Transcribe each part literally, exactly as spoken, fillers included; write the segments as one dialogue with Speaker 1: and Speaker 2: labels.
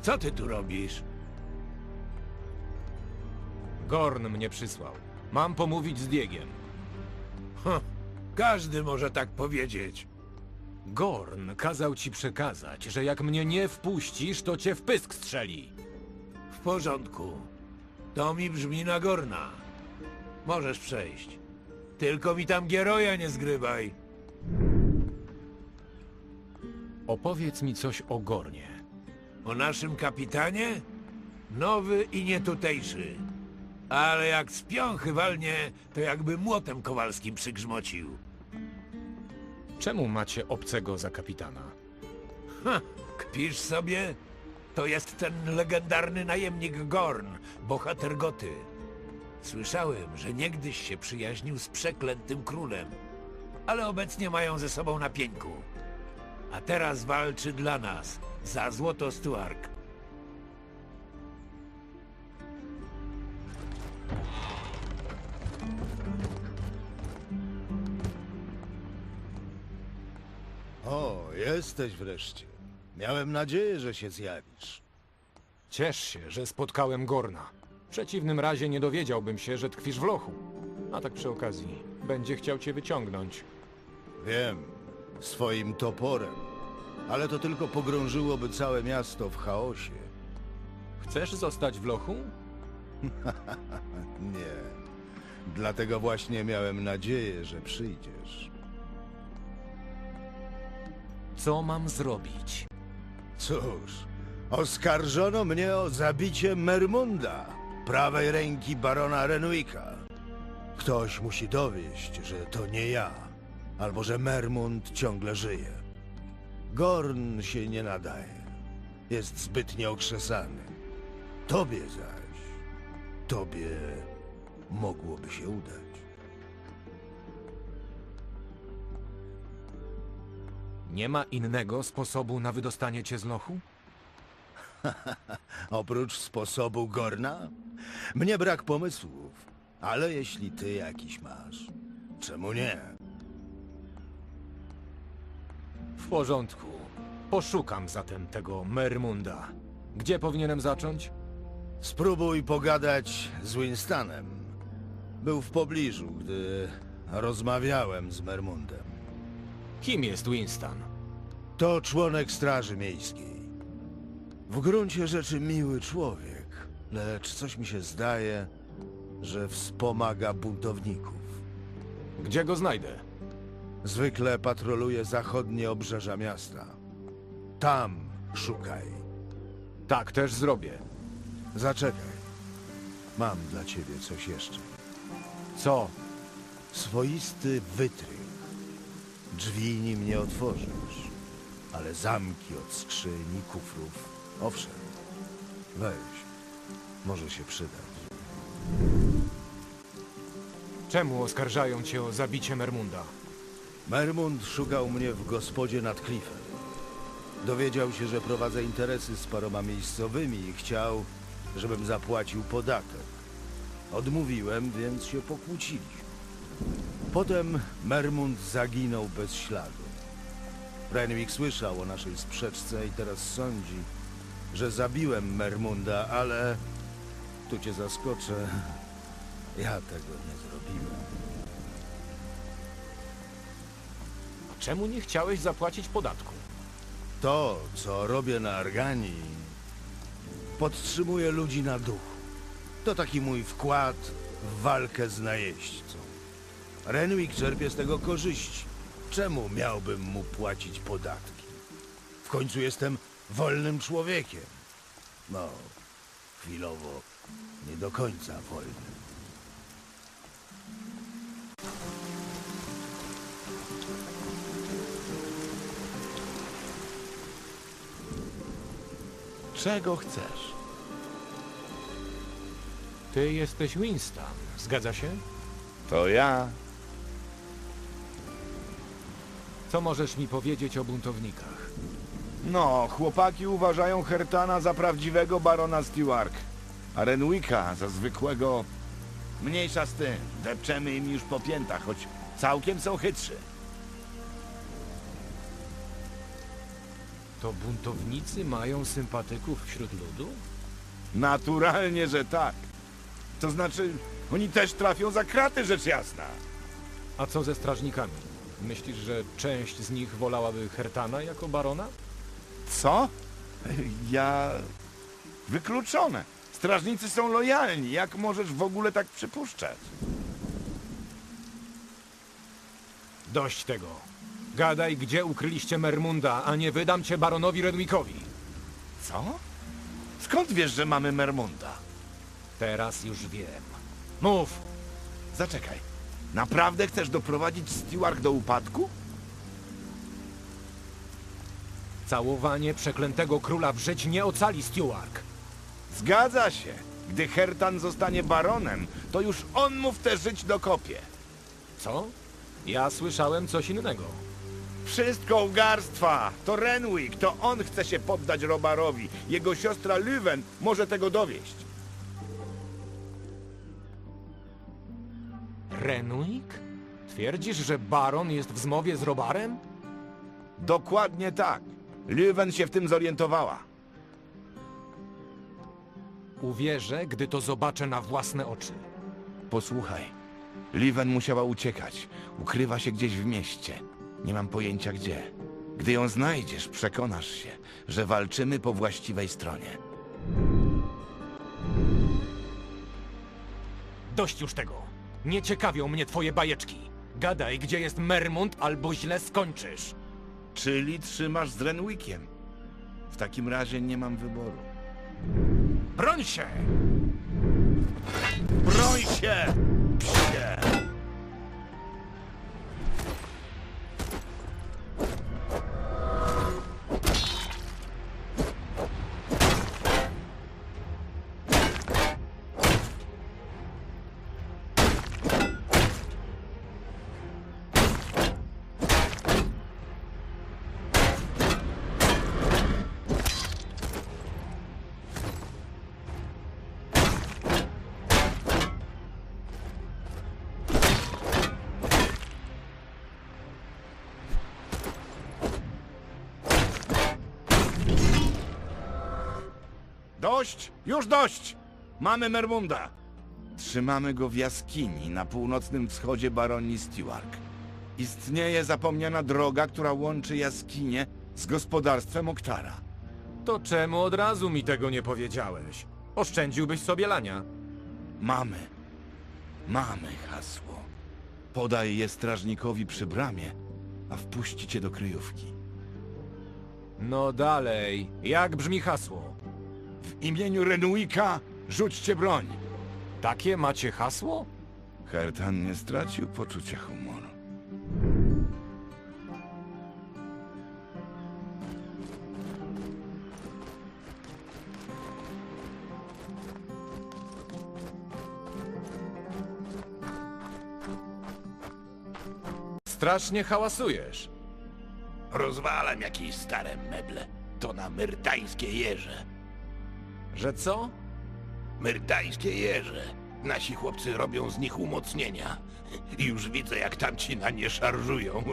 Speaker 1: Co ty tu robisz?
Speaker 2: Gorn mnie przysłał. Mam pomówić z Diegiem.
Speaker 1: Hm, każdy może tak powiedzieć.
Speaker 2: Gorn kazał ci przekazać, że jak mnie nie wpuścisz, to cię w pysk strzeli.
Speaker 1: W porządku. To mi brzmi na Gorna. Możesz przejść. Tylko mi tam Gieroja nie zgrywaj.
Speaker 2: Opowiedz mi coś o Gornie.
Speaker 1: O naszym kapitanie? Nowy i nietutejszy. Ale jak z piąchy walnie, to jakby młotem kowalskim przygrzmocił.
Speaker 2: Czemu macie obcego za kapitana?
Speaker 1: Ha, kpisz sobie? To jest ten legendarny najemnik Gorn, bohater Goty. Słyszałem, że niegdyś się przyjaźnił z przeklętym królem, ale obecnie mają ze sobą na pieńku. A teraz walczy dla nas, za złoto Stuark.
Speaker 3: O, jesteś wreszcie. Miałem nadzieję, że się zjawisz.
Speaker 2: Ciesz się, że spotkałem Gorna. W przeciwnym razie nie dowiedziałbym się, że tkwisz w lochu. A tak przy okazji, będzie chciał cię wyciągnąć.
Speaker 3: Wiem, swoim toporem. Ale to tylko pogrążyłoby całe miasto w chaosie.
Speaker 2: Chcesz zostać w lochu?
Speaker 3: Nie. Dlatego właśnie miałem nadzieję, że przyjdziesz.
Speaker 2: Co mam zrobić?
Speaker 3: Cóż, oskarżono mnie o zabicie Mermunda, prawej ręki barona Renwicka. Ktoś musi dowieść, że to nie ja, albo że Mermund ciągle żyje. Gorn się nie nadaje. Jest zbyt nieokrzesany. Tobie zaś, tobie mogłoby się udać.
Speaker 2: Nie ma innego sposobu na wydostanie cię z lochu?
Speaker 3: Oprócz sposobu Gorna? Mnie brak pomysłów, ale jeśli ty jakiś masz, czemu nie?
Speaker 2: W porządku. Poszukam zatem tego Mermunda. Gdzie powinienem zacząć?
Speaker 3: Spróbuj pogadać z Winstanem. Był w pobliżu, gdy rozmawiałem z Mermundem.
Speaker 2: Kim jest Winston?
Speaker 3: To członek Straży Miejskiej. W gruncie rzeczy miły człowiek, lecz coś mi się zdaje, że wspomaga buntowników.
Speaker 2: Gdzie go znajdę?
Speaker 3: Zwykle patroluje zachodnie obrzeża miasta. Tam szukaj.
Speaker 2: Tak też zrobię.
Speaker 3: Zaczekaj. Mam dla ciebie coś jeszcze.
Speaker 2: Co?
Speaker 3: Swoisty wytrych. Drzwi nim nie otworzysz, ale zamki od skrzyni, kufrów, owszem. Weź, może się przydać.
Speaker 2: Czemu oskarżają cię o zabicie Mermunda?
Speaker 3: Mermund szukał mnie w gospodzie nad klifem. Dowiedział się, że prowadzę interesy z paroma miejscowymi i chciał, żebym zapłacił podatek. Odmówiłem, więc się pokłóciliśmy. Potem Mermund zaginął bez śladu. Renwick słyszał o naszej sprzeczce i teraz sądzi, że zabiłem Mermunda, ale... Tu cię zaskoczę. Ja tego nie zrobiłem.
Speaker 2: A czemu nie chciałeś zapłacić podatku?
Speaker 3: To, co robię na Arganii, podtrzymuje ludzi na duchu. To taki mój wkład w walkę z najeźdźcą. Renwick czerpie z tego korzyści. Czemu miałbym mu płacić podatki? W końcu jestem wolnym człowiekiem. No, chwilowo nie do końca wolnym.
Speaker 4: Czego chcesz?
Speaker 2: Ty jesteś Winston, zgadza się?
Speaker 4: To ja.
Speaker 2: Co możesz mi powiedzieć o buntownikach?
Speaker 4: No, chłopaki uważają Hertana za prawdziwego barona Stuark, a Renwicka za zwykłego... Mniejsza z tym, depczemy im już po piętach, choć całkiem są chytrzy.
Speaker 2: To buntownicy mają sympatyków wśród ludu?
Speaker 4: Naturalnie, że tak. To znaczy, oni też trafią za kraty, rzecz jasna.
Speaker 2: A co ze strażnikami? Myślisz, że część z nich wolałaby Hertana jako barona?
Speaker 4: Co? Ja... Wykluczone. Strażnicy są lojalni. Jak możesz w ogóle tak przypuszczać?
Speaker 2: Dość tego. Gadaj, gdzie ukryliście Mermunda, a nie wydam cię baronowi Renwickowi.
Speaker 4: Co? Skąd wiesz, że mamy Mermunda?
Speaker 2: Teraz już wiem. Mów!
Speaker 4: Zaczekaj. Naprawdę chcesz doprowadzić Stewart do upadku?
Speaker 2: Całowanie przeklętego króla w żyć nie ocali Stewart.
Speaker 4: Zgadza się. Gdy Hertan zostanie baronem, to już on mu w tę żyć dokopie.
Speaker 2: Co? Ja słyszałem coś innego.
Speaker 4: Wszystko ugarstwa! To Renwick, to on chce się poddać Robarowi. Jego siostra Lüwen może tego dowieść.
Speaker 2: Renwick? Twierdzisz, że baron jest w zmowie z Robarem?
Speaker 4: Dokładnie tak. Lüwen się w tym zorientowała.
Speaker 2: Uwierzę, gdy to zobaczę na własne oczy.
Speaker 4: Posłuchaj. Lüwen musiała uciekać. Ukrywa się gdzieś w mieście. Nie mam pojęcia gdzie. Gdy ją znajdziesz, przekonasz się, że walczymy po właściwej stronie.
Speaker 2: Dość już tego. Nie ciekawią mnie twoje bajeczki. Gadaj, gdzie jest Mermund, albo źle skończysz.
Speaker 4: Czyli trzymasz z Renwickiem. W takim razie nie mam wyboru.
Speaker 2: Broń się!
Speaker 4: Broń się! Psie! Dość! Już dość! Mamy Mermunda. Trzymamy go w jaskini na północnym wschodzie baronii Stewart. Istnieje zapomniana droga, która łączy jaskinię z gospodarstwem Oktara.
Speaker 2: To czemu od razu mi tego nie powiedziałeś? Oszczędziłbyś sobie lania.
Speaker 4: Mamy. Mamy hasło. Podaj je strażnikowi przy bramie, a wpuści cię do kryjówki.
Speaker 2: No dalej. Jak brzmi hasło?
Speaker 4: W imieniu Renwicka rzućcie broń.
Speaker 2: Takie macie hasło?
Speaker 4: Hertan nie stracił poczucia humoru.
Speaker 2: Strasznie hałasujesz.
Speaker 1: Rozwalam jakieś stare meble. To na myrtańskie jeże.
Speaker 2: Że co?
Speaker 1: Myrtańskie jeże. Nasi chłopcy robią z nich umocnienia. I już widzę, jak tamci na nie szarżują.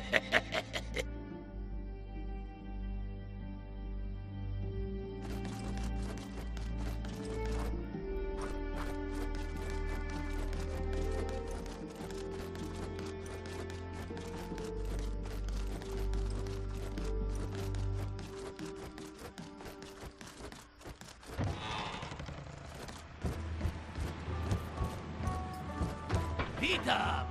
Speaker 5: Witam!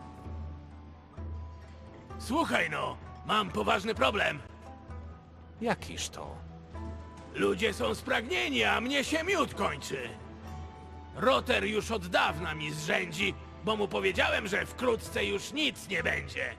Speaker 5: Słuchaj no, mam poważny problem.
Speaker 2: Jakiż to?
Speaker 5: Ludzie są spragnieni, a mnie się miód kończy. Roter już od dawna mi zrzędzi, bo mu powiedziałem, że wkrótce już nic nie będzie.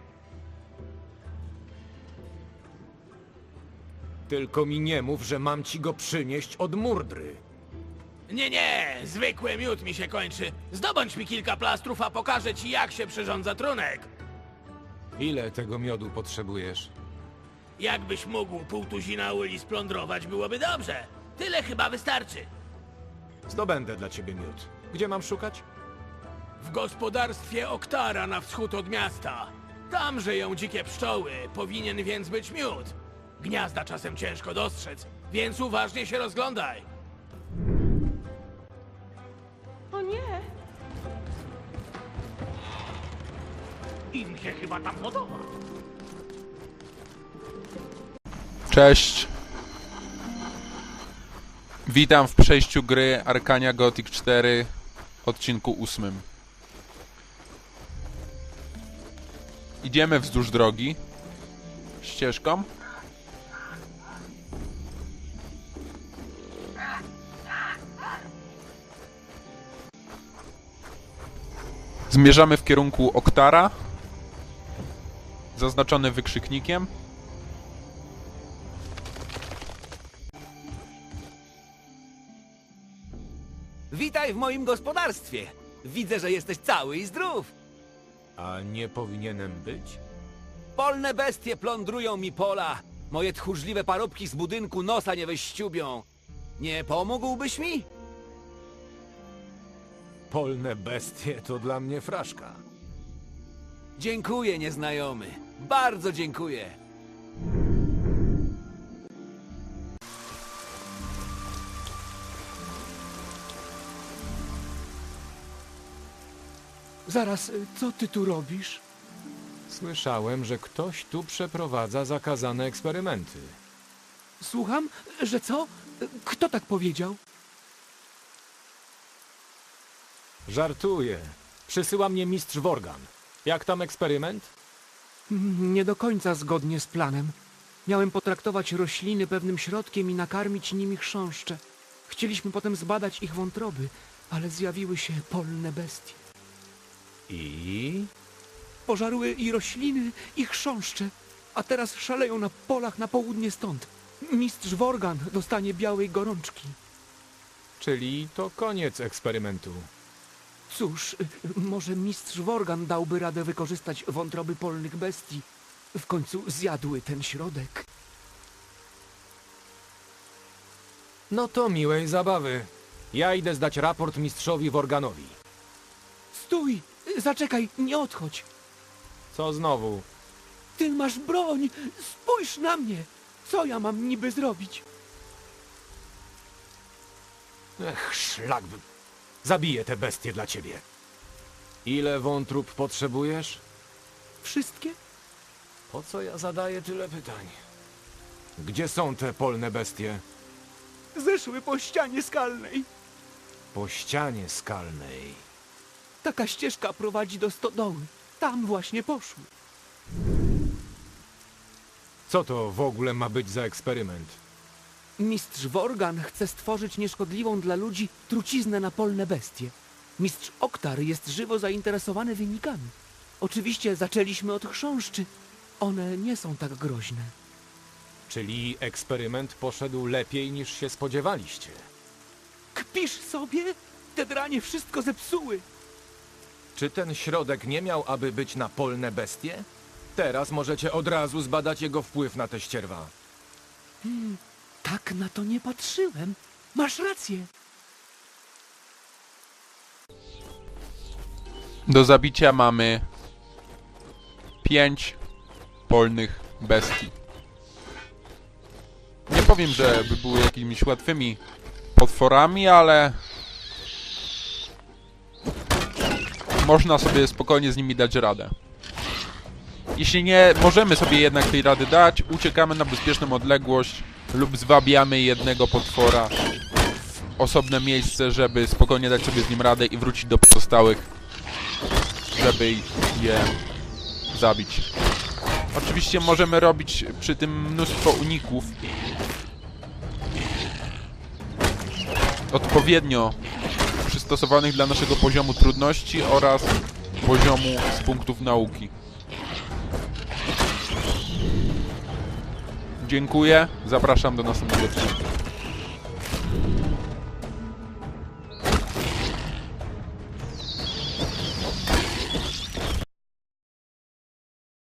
Speaker 2: Tylko mi nie mów, że mam ci go przynieść od Murdry.
Speaker 5: Nie, nie, zwykły miód mi się kończy. Zdobądź mi kilka plastrów, a pokażę ci, jak się przyrządza trunek.
Speaker 2: Ile tego miodu potrzebujesz?
Speaker 5: Jakbyś mógł pół tuzina uli splądrować, byłoby dobrze. Tyle chyba wystarczy.
Speaker 2: Zdobędę dla ciebie miód. Gdzie mam szukać?
Speaker 5: W gospodarstwie Oktara na wschód od miasta. Tam żyją dzikie pszczoły, powinien więc być miód. Gniazda czasem ciężko dostrzec, więc uważnie się rozglądaj.
Speaker 6: O nie!
Speaker 5: Im się chyba tam podoba.
Speaker 7: Cześć. Witam w przejściu gry Arcania Gothic cztery, odcinku ósmym. Idziemy wzdłuż drogi ścieżką. Zmierzamy w kierunku Oktara, zaznaczony wykrzyknikiem.
Speaker 8: Witaj w moim gospodarstwie. Widzę, że jesteś cały i zdrów.
Speaker 2: A nie powinienem być?
Speaker 8: Polne bestie plądrują mi pola. Moje tchórzliwe parobki z budynku nosa nie wyściubią. Nie pomógłbyś mi?
Speaker 2: Polne bestie to dla mnie fraszka.
Speaker 8: Dziękuję, nieznajomy. Bardzo dziękuję.
Speaker 5: Zaraz, co ty tu robisz?
Speaker 2: Słyszałem, że ktoś tu przeprowadza zakazane eksperymenty.
Speaker 5: Słucham, że co? Kto tak powiedział?
Speaker 2: Żartuję. Przysyła mnie mistrz Worgan. Jak tam eksperyment?
Speaker 9: Nie do końca zgodnie z planem. Miałem potraktować rośliny pewnym środkiem i nakarmić nimi chrząszcze. Chcieliśmy potem zbadać ich wątroby, ale zjawiły się polne bestie.
Speaker 2: I?
Speaker 9: Pożarły i rośliny, i chrząszcze, a teraz szaleją na polach na południe stąd. Mistrz Worgan dostanie białej gorączki.
Speaker 2: Czyli to koniec eksperymentu.
Speaker 9: Cóż, może mistrz Worgan dałby radę wykorzystać wątroby polnych bestii. W końcu zjadły ten środek.
Speaker 2: No to miłej zabawy. Ja idę zdać raport mistrzowi Worganowi.
Speaker 9: Stój! Zaczekaj, nie odchodź!
Speaker 2: Co znowu?
Speaker 9: Ty masz broń! Spójrz na mnie! Co ja mam niby zrobić?
Speaker 2: Ech, szlak by... Zabiję te bestie dla ciebie. Ile wątrób potrzebujesz?
Speaker 9: Wszystkie?
Speaker 2: Po co ja zadaję tyle pytań? Gdzie są te polne bestie?
Speaker 9: Zeszły po ścianie skalnej.
Speaker 2: Po ścianie skalnej.
Speaker 9: Taka ścieżka prowadzi do stodoły. Tam właśnie poszły.
Speaker 2: Co to w ogóle ma być za eksperyment?
Speaker 9: Mistrz Worgan chce stworzyć nieszkodliwą dla ludzi truciznę na polne bestie. Mistrz Oktar jest żywo zainteresowany wynikami. Oczywiście zaczęliśmy od chrząszczy. One nie są tak groźne.
Speaker 2: Czyli eksperyment poszedł lepiej niż się spodziewaliście.
Speaker 9: Kpisz sobie? Te dranie wszystko zepsuły.
Speaker 2: Czy ten środek nie miał aby być na polne bestie? Teraz możecie od razu zbadać jego wpływ na te ścierwa.
Speaker 9: Hmm, tak na to nie patrzyłem. Masz rację.
Speaker 7: Do zabicia mamy pięć polnych bestii. Nie powiem, że by były jakimiś łatwymi potworami, ale można sobie spokojnie z nimi dać radę. Jeśli nie możemy sobie jednak tej rady dać, uciekamy na bezpieczną odległość lub zwabiamy jednego potwora w osobne miejsce, żeby spokojnie dać sobie z nim radę i wrócić do pozostałych, żeby je zabić. Oczywiście możemy robić przy tym mnóstwo uników. Odpowiednio przystosowanych dla naszego poziomu trudności oraz poziomu z punktów nauki. Dziękuję, zapraszam do następnego odcinka.